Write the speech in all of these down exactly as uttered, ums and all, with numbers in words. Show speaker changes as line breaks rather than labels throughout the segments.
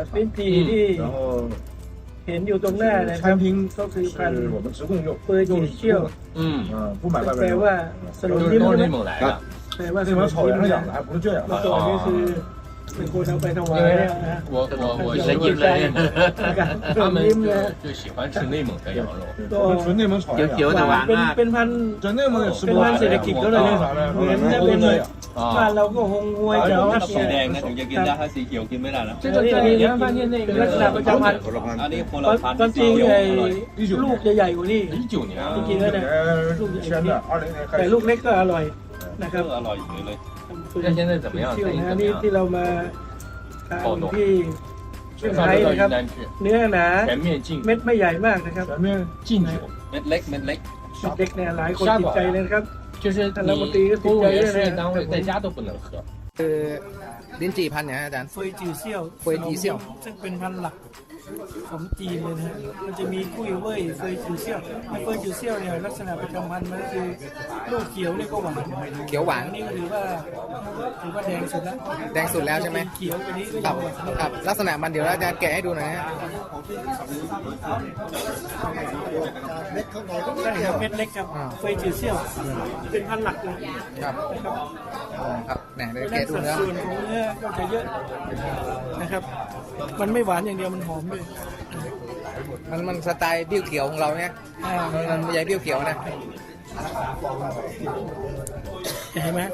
ลิ้นจี่ที่เห็นอยู่ตรงหน้านะครับก็คือพันธุ์เฟอร์จิเชียลแปลว่าสโลยิ้มใช่ไหมแปลว่าสโลยิ้มนะเมื่อก่อนนี่คือเป็นคนเอาไปถวายเนี่ยนะ
我我我是因为他们就就喜欢吃内蒙的羊肉，
纯内蒙炒的羊，
有的玩
เป็น
啊，
เป็นพันธุ์
这内蒙也吃
เป็น
不
พันธุ์เศรษฐกิจก็เลยเนี่ยเหมือนจะเป็นบ้านเราก็หงงวยจังหวัด
สีแดงนะถึงจะกินได้ถ้าสีเขียวกินไม่ได้นะ
这个在延安饭店那
เป็นลักษณะประ
个
จำพันธุ์
อันนี้คน
ค
ละพัน
วามจริงไอ้ลูกจะใหญ่กว่านี้
一九年
จ
啊，
ริงๆแล้วเนี่ยลูกใหญ่กว่านี้
二零年开
แต่
始
ลูกเล็กก็อร่อยนะครับ
อร่อยอยู่เลย
那现在怎么样？
เที่ยว
生意
นะ
怎么
นี่
样？
ที่เรามาทานที่เชียง
上
ราย
周到
นะครับ
云南去，
เนื้อหนา
全面禁
เม็ดไม่ใหญ่มากนะครับ
全面
禁酒，
เม็ดเล็กเม็ดเล็ก
เด็กเนี่ยหลายคนติดใจเลยนะครับ
就是你公务员事业单位在家都不能喝。
คือลิ้นจี่พันธุ์เนี่ยอาจารย์
เฟยจือเซี่ยว
เฟยจือเซี่ยว
ซึ่งเป็นพันธุ์หลักของจีนเลยนะฮะมันจะมีกุ้ยเว่ยเฟยจือเซี่ยวเฟยจือเซี่ยวเนี่ยลักษณะประจำพันธุ์มันก็คือลูกเขียวนี่ก็หวาน
เขียวหวาน
อันนี้ก็ถือว่าถือว่าแดงสุดแล้ว
แดงสุดแล้วใช่ไหม
เขียวไปนี้ก็
ค
ยั
รับ
งหวาน
ครับลักษณะมันเดี๋ยวอาจารย์แกะให้ดูหน่อยนะฮะ
ใช่ครับเม็ดเล็กครับเฟยจือเซี่ยวเป็นพันธุ์หลักเลย
ครับครับเนี่ยเดี๋ยว
ด้า
แกะ
น
ดู
สัด
เนื้อ
ส่วนของเนื้อก็จะเยอะนะครับ มันไม่หวานอย่างเดียวมันหอมด้วย
มันมันสไตล์เบี้ยวเขียวของเราเนี่ย
อ่า
มันไม่ใช่เบี้ยวเขียวนะ
เห็นไหม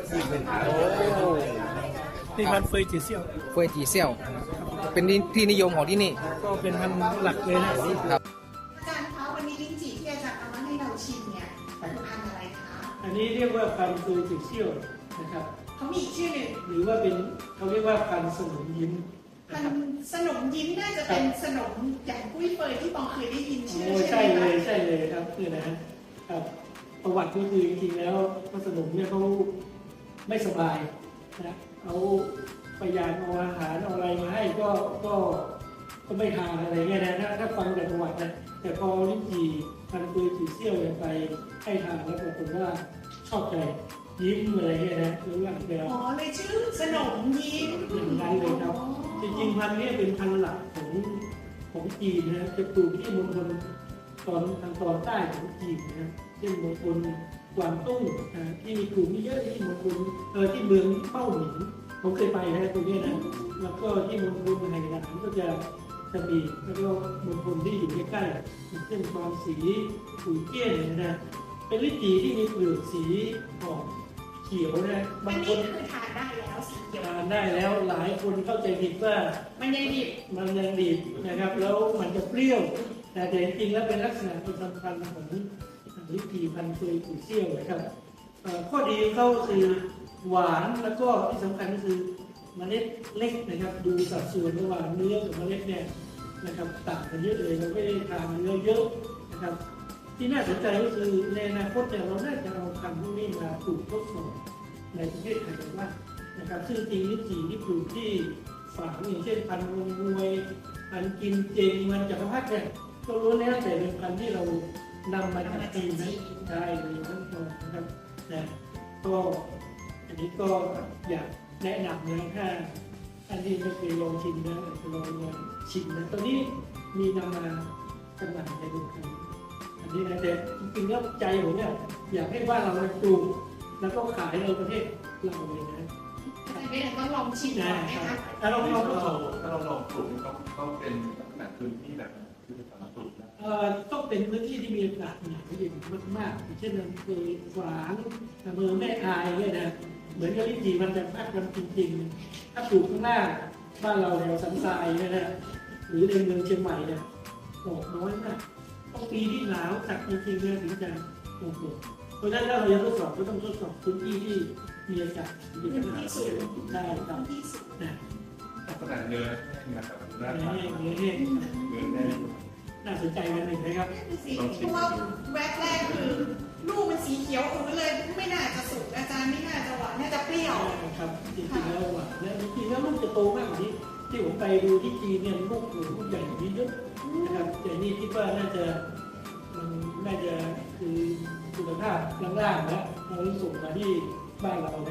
นี่พันธุ์เฟยจือเซี่ยว
เฟยจีเซี่ยว เป็นที่นิยมของที่นี่
ก็เป็นพันธุ์หลักเลยนะ
ครับ
อาจารย์คะวันนี้ลิ้นจี่ที่อาจารย์เอามาให้เราชิมเนี่ยเป็นพันธุ์อะไรคะ
อันนี้เรียกว่าพันธุ์เฟยจือเซี่ยวนะครับ
เขามีอีกชื่อหนึ่ง
หรือว่าเป็นเขาเรียกว่าพันธุ์สนมยิ้ม
พั
นะ
น
ครับ
ธุ์สนมยิ้มน่าจะเป็นสนมอย่างกุ้ยเฟยที่ปองเคยได้ยินชื่อ
โอ้
ใช่
ใช่
ไหม
เลย
คะ
ใช่เลยครับคือนะฮะครับประวัติก็คือจริงๆแล้วพระสนมเนี่ยเขาไม่สบายนะเขาพยายามเอาอาหารเอาอะไรมาให้ก็ก็ก็ไม่ทานอะไรเงี้ยนะถ้าถ้าฟังจากประวัตินะแต่พอลิ้นจี่พันธุ์เฟยจือเซี่ยวเนี่ยไปให้ทานแล้วปรากฏว่าชอบใจยิ้มอะไรเงี้ยนะหรือว่าแบบ
อ๋อเลยชื่อสนมยิ้ม
อย่างนั้นเลยครับจริงๆพันธุ์นี้เป็นพันธุ์หลักของของจีนนะจะปลูกที่มณฑลตอนทางตอนใต้ของจีนนะเช่นมณฑลกวางตุ้งนะที่มีกลุ่มเยอะที่มณฑลเออที่เมืองเป้าหมิงผมเคยไปนะตรงนี้นะแล้วก็ที่มณฑลไหหนานก็จะจะมีแล้วก็มณฑลที่อยู่ใกล้ๆอย่างเช่นกวางสีขุยเจี้ยนนะเป็นลิ้นจี่ที่มีเปลือกสีออกเขียวนะ
อั
บาน งค
นี้
น
คือทานได้แล้วสีเขียว
ทานได้แล้วหลายคนเข้าใจผิดว่า
มันยังดิบ
มันยังดีนะครับ แล้วมันจะเปรี้ยว แต่จริงๆแล้วเป็นลักษณะประจำพันธุ์ของลิ้นจี่พันธุ์เฟยจือเซี่ยวนะครับเอ่อข้อดีของเขาคือหวานแล้วก็ที่สำคัญก็คือเมล็ดเล็กนะครับ ดูสัดส่วนระหว่างเนื้อกับเมล็ดเนี่ยนะครับต่างกันเยอะเลยเราไม่ได้ทานเนื้อเยอะนะครับ ที่น่าสนใจก็คือในอนาคตเนี่ยเราน่าจะเอาพันธุ์พวกนี้มาปลูกทดสอบในประเทศไทยกันว่างนะครับซึ่งจริงลิ้นจี่ที่ปลูกที่ฝางอย่างเช่นพันธุ์งงงวยพันธุ์กินเจงมันจักรพรรดิเนี่ยก็รู้แล้วแต่เป็นพันธุ์ที่เรานำมาจากจีนนะได้เลยทั้งหมดนะครับนะก็อันนี้ก็อยากแนะนำนะถ้าอันนี้ไม่เคยลองชิมนะจะลองลองชิมนะตอนนี้มีนำมาจำหน่ายในเมืองไทย อันนี้นะแต่จริงๆแล้วใจผมเนี่ยอยากให้บ้านเราปลูกแล้วก็ขายในประเทศเราเลยนะ
อาจารย์ไม่ได้ต้องลองชิมก่
นะ
อนไหม
ครั
คะ
บถ้าเราลองทดสอบ
ถ้าเราลองปลูกต้องต้องเป็นลักษณะพื้นที่แบบที่สามารถปลูกได้
เอ่อต้องเป็นพื้นที่ที่มีอากาศหนาวเย็นมากๆอย่างเช่นอำเภอฝางอำเภอแม่อายเนี่ยนะเหมือนกับลิ้นจี่มันจะพักกันจริงๆ ถ้าปลูกข้างหน้าบ้านเราแถวสันทรายเนี่ยนะหรือในเมืองเชียงใหม่เนี่ยดอกน้อยมากต้องปีที่หนาวจัดจริงๆเนี่ยถึงจะโอ้โหเพราะฉะนั้นถ้าเราจะทดสอบก็ต้องทดสอบพื้นที่ที่มีอากาศเย็นได้ครับ
ที่สุด
นะ
ลักษณะเนื้อนะครับหน้า
เนื้อ
ตา
แห้งเนื้อแห้ง
เนื้อแน่น
น่าสนใจกันหนึ่งนะครับ
สีเพราะว่าแวบแรกคือลูกมันสีเขียวอือเลยไม่น่าจะสุกอาจารย์ไม่น่าจะหวานน่าจะเปรี้ยว
ครับจริงๆแล้วหวานและจริงๆแล้วลูกจะโตมากกว่านี้ที่ผมไปดูที่จีนเนี่ยลูกหนูลูกใหญ่กว่านี้เยอะนะครับแต่นี่คิดว่าน่าจะมันน่าจะคือคุณภาพล่างๆนะเราส่งมาที่บ้านเรานะ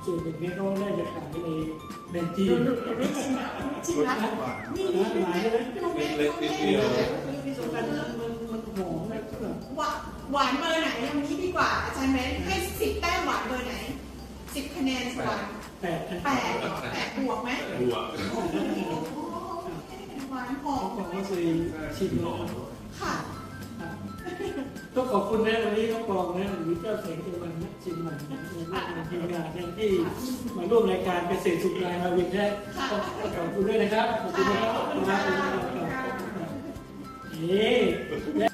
ส่วนหนึ่งเนี่ยเขาได้จะขายในในจีน
จริงนะนี่นี่เป็นเล็กลูกเล็กลูกเล็ก
ที่สำคัญมันมันมันหอมนะแบบ
หวานหวานเบอร์ไหนอย่างนี้ดีกว่าอาจารย์แบงค์ให้สิบแต้มหวานเบอร์ไหนสิบคะแนนหวาน
แปดนะ
แปดแปดบวกไหม
บัว
หวานหอ
เขา
ม
บอกว่าเคยชิมแล้ว
ค่ะ
ต้องขอบคุณนะวันนี้น้องปองนะหรือเจ้าเสงเจวันนะชิมใหม่นะในทีมงานเนี่ยที่มาร่วมรายการเกษตรสุขรายมาวินได้ต้องขอบคุณด้วยนะครับขอบคุณนะครับขอบคุณนะครับนี่